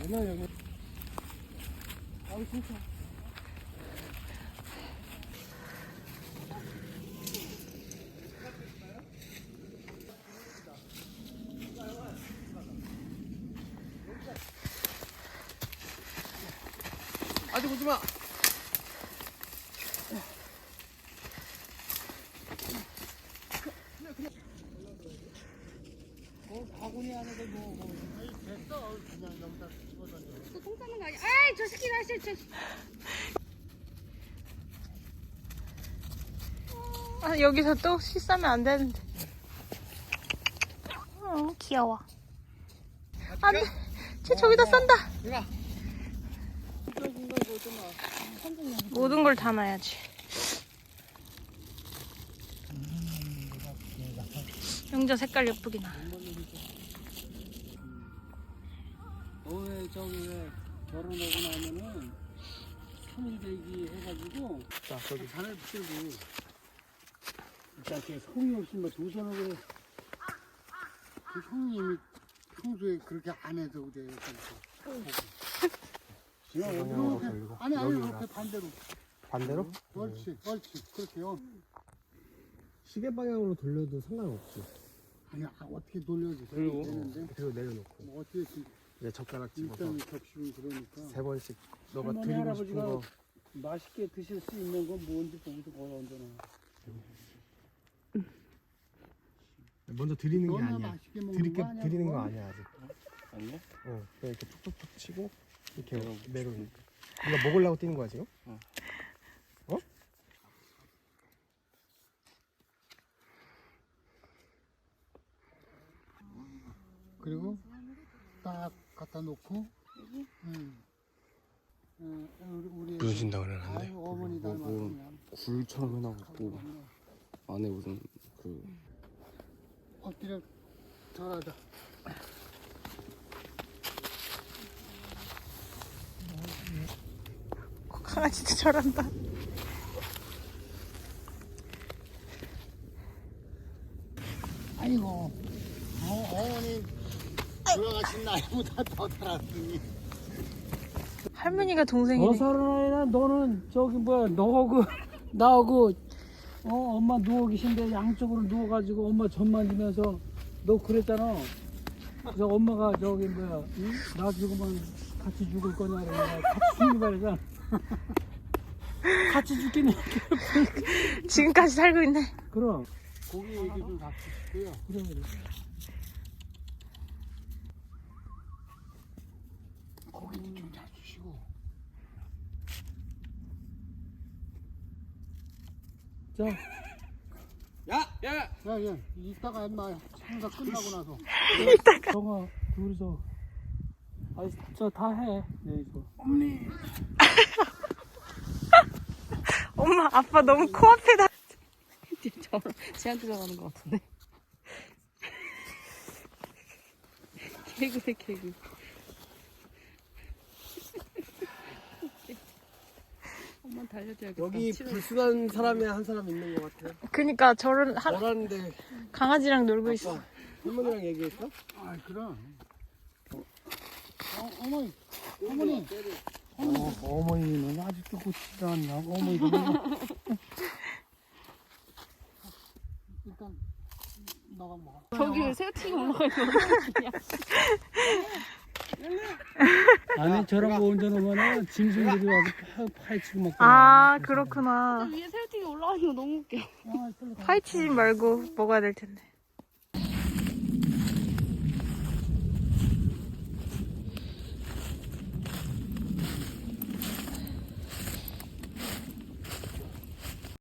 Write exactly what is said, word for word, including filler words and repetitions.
아니야 여기. 아우 진짜. 아직 오지 마. 뭐 바구니 안에도 뭐, 뭐. 아니 됐어. 그냥 여기다 집어던져. 또 똥 싸는 거 아니야? 아이 저 새끼 다시 저. 아, 여기서 또 씨 싸면 안 되는데. 어, 귀여워. 안 돼. 쟤 저기다 싼다. 이거. 모든 걸 다 놔야지. 영자 색깔 예쁘긴 하. 너왜 저기 왜 결혼하고 나면은 삼 일 대기 해가지고 자 저기 잔을 붙들고 일단 이렇게 성의 없이 뭐 두 손으로 그 형님이 평소에 그렇게 안 해도 그래. 이렇게 아니 아니 이렇게 반대로 반대로? 옳지 옳지 그렇게요. 시계 방향으로 돌려도 상관없지. 아니 아, 어떻게 돌려도 그리고 되는데 그리고 내려놓고 뭐 어떻게 지- 이제 젓가락 집어서 일단 겹치면 그러니까 세 번씩 너가 할머니, 드리고 싶은 할아버지가 거 맛있게 드실 수 있는 건 뭔지 거기서 걸어 얹어놔. 먼저 드리는 게 너나 아니야. 맛있게 먹는 드릴게, 거 아니야, 드리는 그거? 거 아니야 아직. 아니야? 어, 그냥 이렇게 툭툭툭 치고 이렇게 내려오니까. 네가 먹으려고 뛰는 거야 지금? 어. 어? 그리고 딱 갖다 놓고 응. 응, 우리, 우리 무슨 신당을 하는데? 아유, 어머니 뭐, 뭐, 닮았으면 굴처럼 해놔갖고 안에 무슨 그 엎드려 절하자. 강아지도 저런다. 아이고 어, 어머니 돌아가신 나이보다 더 살았으니 할머니가 동생이네. 더 살아나야 너는 저기 뭐야 너하고 나하고 어 엄마 누워 계신데 양쪽으로 누워가지고 엄마 전 만지면서 너 그랬잖아. 그래서 엄마가 저기 뭐야 응? 나 죽으면 같이 죽을 거냐 그러면 같이 죽는 거야. 같이 죽겠네. 지금까지 살고 있네. 그럼 고기 얘기 좀 같이 싶고요. 그래 그래. 고기도 좀 잘 주시고. 자. 야! 야! 야, 야. 이따가 엄마 행사 끝나고 나서. 이따가. 정아, 둘이서. 아니, 저 다 해. 네, 이거. 어머니. 엄마, 아빠 너무 코앞에다. 저 쟤한테 들어가는 것 같은데. 개그래 개그. 엄마 달려줘야겠다. 여기 치료. 불순한 사람이 한 사람 있는 것 같아. 그니까 저런 하, 너라는데 강아지랑 놀고 있어. 아빠 할머니랑 얘기했어? 아, 그럼. 어, 어 어머니. 어머니. 어, 어머니는 아직도 고치지 않나? 어머니도. 일단 너가 먹어. 저기 왜 새우튀김 올라가 있는 아니 저런 거 얹어놓으면 짐승들이 와서 파, 파헤치고 먹고. 아, 그렇구나. 위에 새우튀김 올라가 있는 거 너무 웃겨. 파이치지 말고 먹어야 될 텐데.